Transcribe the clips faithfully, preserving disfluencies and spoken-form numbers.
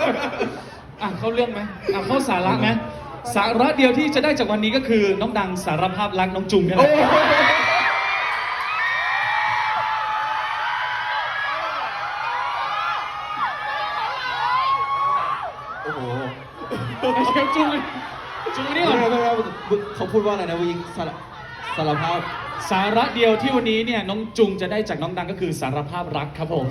อ่ะเข้าเรื่องไหมอ่ะเข้าสาระไหมสาระเดียวที่จะได้จากวันนี้ก็คือน้องดังสารภาพรักน้องจุงนี่แหละโอ้โหไอ้เชฟจุงจุงนี่ก่อนเขาพูดว่าอะไรนะวิงสารสารภาพสาระเดียวที่วันนี้เนี่ยน้องจุงจะได้จากน้องดังก็คือสารภาพรักครับผม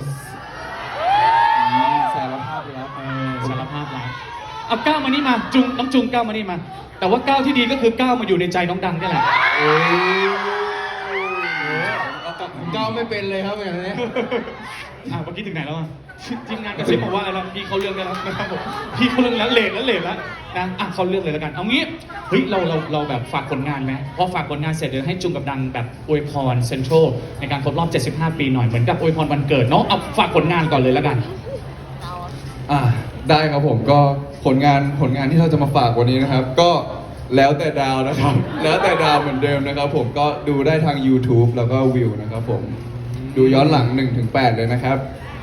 สารภาพแล้วเออสารภาพรักเอาก้าวมานี่มาจุงน้องจุงก้าวมานี่มา แต่ว่าก้าวที่ดีก็คือก้าวมาอยู่ในใจน้องดังนี่แหละโอ้ยก้าวไม่เป็นเลยครับอย่างนี้อ่ะเมื่อกี้ถึงไหนแล้วอ่ะทีมงานกระซิบบอกว่าอะไรแล้วพี่เขาเรื่องได้แล้วนะครับผมพี่เขาเรื่องแล้วเลทแล้วเลทแล้วนะอ่ะเขาเรื่องเลยแล้วกันเอางี้เฮ้ยเราเราเราแบบฝากผลงานไหมพอฝากผลงานเสร็จเดี๋ยวให้จุงกับดังแบบอวยพรเซ็นทรัลในการครบรอบเจ็ดสิบห้าปีหน่อยเหมือนกับอวยพรวันเกิดเนาะเอาฝากผลงานก่อนเลยแล้วกันอ่าได้ครับผมก็ผลงานผลงานที่เราจะมาฝากวันนี้นะครับ ก็แล้วแต่ดาวนะครับ แล้วแต่ดาวเหมือนเดิมนะครับ ผมก็ดูได้ทาง YouTube แล้วก็วิวนะครับผมดูย้อนหลัง หนึ่งถึงแปด เลยนะครับ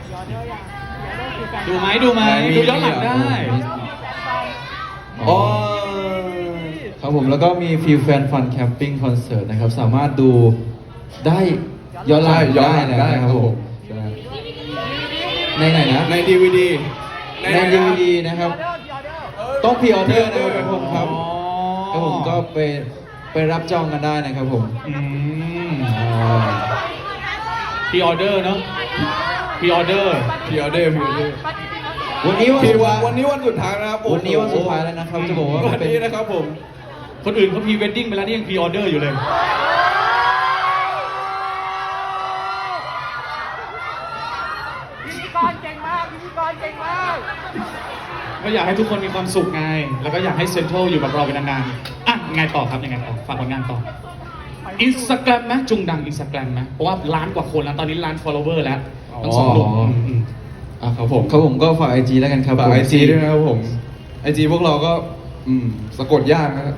ดูไหมดูไหมมีดูย้อนหลังได้อ๋อครับผมแล้วก็มีฟิลแฟนฟันแคมปิ้งคอนเสิร์ตนะครับสามารถดูได้ย้อนหลังย้อนหลังได้ได้นะคครัรับบ ผผม มในไหนนะใน ดี วี ดีในดีวีดีนะครับต้องพรีออเดอร์นะครับทุกคนครับอ๋อครับผมก็ไปไปรับจองกันได้นะครับผมอืมอ่าพรีออเดอร์เนาะพรีออเดอร์พีออเดอร์พีออเดอร์วันนี้วันพีสุดวันท้ายวันนี้วันสุดท้ายนะครับผมวันนี้วันสุดท้ายแล้วนะครับจะบอกว่าวันเป็นนี้นะครับผมคนอื่นเขาพรีเวดดิ้งไปแล้วนี่ยังพรีออเดอร์อยู่เลยพิธีกรเก่งมากพิธีกรเก่งมากก็อยากให้ทุกคนมีความสุขไง แล้วก็อยากให้เซ็นทรัลอยู่กับเราเป็นนานๆ อ่ะยังไงต่อครับยังไงต่อ ฝากผลงานต่อ อินสตาแกรมไหมจุงดังอินสตาแกรมไหมเพราะว่าล้านกว่าคนแล้ว ตอนนี้ล้าน follower แล้วทั้งสองหนุ่มอืมอ่ะครับผมครับผมก็ฝากไอจีแล้วกันครับฝากผมไอจีด้วยนะครับผมไอจีพวกเราก็อืมสะกดยากนะครับ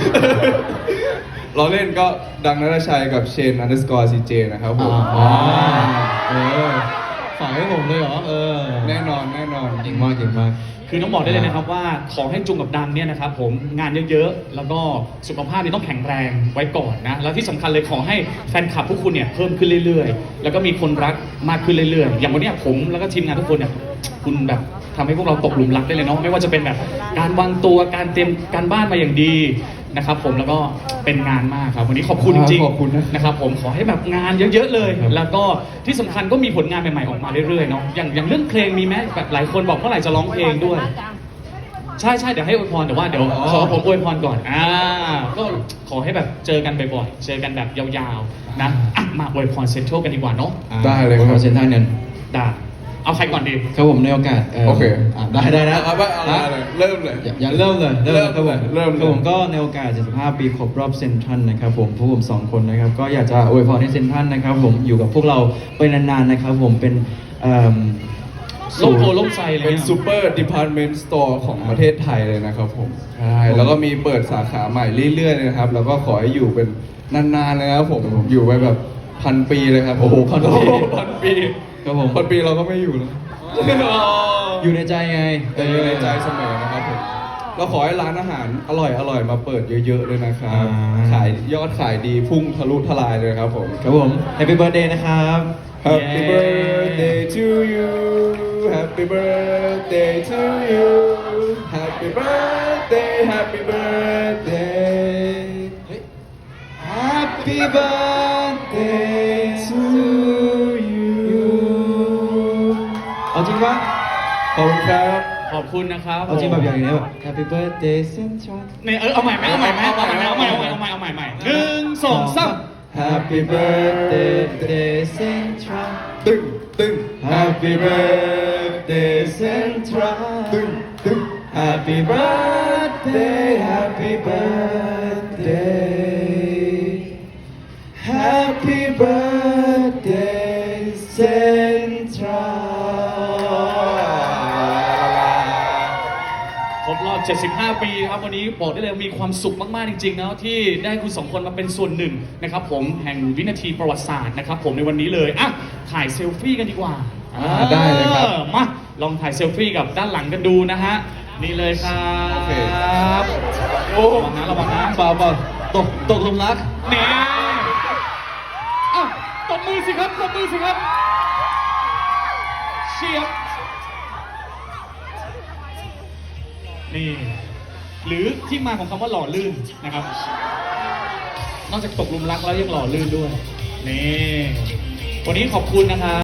เราเล่นก็ดังนรชัยกับเชนอันเดอร์สกอร์ซีเจนะครับผมอ๋อเออฝากให้ผมเลยเหรอเออแน่นอนแน่นอนเก่งมากเก่งมากคือต้องบอกได้เลยนะครับว่าขอให้จุงกับดังเนี่ยนะครับผมงานเยอะๆ แล้วก็สุขภาพนี่ต้องแข็งแรงไว้ก่อนนะ แล้วที่สำคัญเลยขอให้แฟนคลับพวกคุณเนี่ยเพิ่มขึ้นเรื่อยๆ แล้วก็มีคนรักมากขึ้นเรื่อยๆ อย่างวันเนี้ยผมแล้วก็ทีมงานทุกคนเนี่ยคุณแบบทำให้พวกเราตกหลุมรักได้เลยเนาะไม่ว่าจะเป็นแบบการวางตัวการเตรียมการบ้านมาอย่างดีนะครับผมแล้วก็เป็นงานมากครับวันนี้ขอบคุณจริงขอบคุณนะๆนะครับผมขอให้แบบงานเยอะๆเลย แล้วก็ที่สำคัญก็มีผลงานใหม่ๆออกมาเรื่อยๆเนาะอย่างอย่างเรื่องเพลงมีไหมแบบหลายคนบอกเมื่อไหร่จะร้องเพลงด้วย ใช่ใช่เดี๋ยวให้อวยพรแต่ว่าเดี๋ยวอ๋อขอผมอวยพรก่อนอ่าก็ขอให้แบบเจอกันบ่อยๆเจอกันแบบยาวๆนะอ่ะมาอวยพรเซ็นทรัลกันดีกว่าเนาะได้เลยครับเซ็นทรัลเนี่ยได้เอาใครก่อนดีครับผมในโอกาสโอเคอ่ะได้ได้นะเอาไปเอาเลยเอาเลยเริ่มเลยอย่าอย่าเริ่มเลยเริ่มครับผมเริ่มเลยครับผมก็ในโอกาสเจ็ดสิบห้าปีครบรอบเซ็นทรัลนะครับผมพวกผมสองคนนะครับก็อยากจะอวยพรให้เซ็นทรัลนะครับผมอยู่กับพวกเราไปนานๆนะครับผมเป็นเอิ่มโล่งโพล่งใจเลยเป็นซูเปอร์ดิพาร์ตเมนต์สโตร์ของประเทศไทยเลยนะครับผมใช่แล้วก็มีเปิดสาขาใหม่เรื่อยๆเลยนะครับ แล้วก็ขอให้อยู่เป็นนานๆเลยนะครับผมอยู่ไปแบบพันปีเลยครับโอ้โหพันปีพันปีครับผมพันปีเราก็ไม่อยู่แล้วอยู่ในใจไงแต่อยู่ในใจเสมอนะครับผมเราขอให้ร้านอาหารอร่อยอร่อยๆมาเปิดเยอะๆเลยนะครับ ขายยอดขายดีพุ่งทะลุทลายเลยครับผมครับผม Happy Birthday นะครับ Happy birthday to you Happy birthday to you Happy birthday Happy birthday Happy birthday to you เอาจริงปะขอบคุณครับขอบคุณนะครับเอาจริงแบบอย่างนี้แบบ Happy birthday Central เนี่ยเออเอาใหม่ไหมเอาใหม่ไหมเอาใหม่ไหมเอาใหม่เอาใหม่เอาใหม่เอาใหม่เอาใหม่หนึ่งสองสาม Happy birthday Central ตึ้งตึ้ง Happy birthday Central ตึ้งตึ้ง Happy birthday Happy birthday Happy birthday Central ครบรอบ เจ็ดสิบห้า ปีครับวันนี้บอกได้เลยมีความสุขมากๆจริงๆนะที่ได้คุณสองคนมาเป็นส่วนหนึ่งนะครับผมแห่งวินาทีประวัติศาสตร์นะครับผมในวันนี้เลยอ่ะถ่ายเซลฟี่กันดีกว่าอ่าได้เลยครับออมาลองถ่ายเซลฟี่กับด้านหลังกันดูนะฮะ นี่เลยครับโอเคโอ้ระวังนะระวังนะเปล่าเปล่าตกตกหลุมรักนี่อ้าวตบมือสิครับตบมือสิครับเชียบนี่ หรือที่มาของคำว่าหล่อลื่นนะครับ นอกจากตกหลุมรักแล้วยังหล่อลื่นด้วย นี่ วันนี้ขอบคุณนะครับ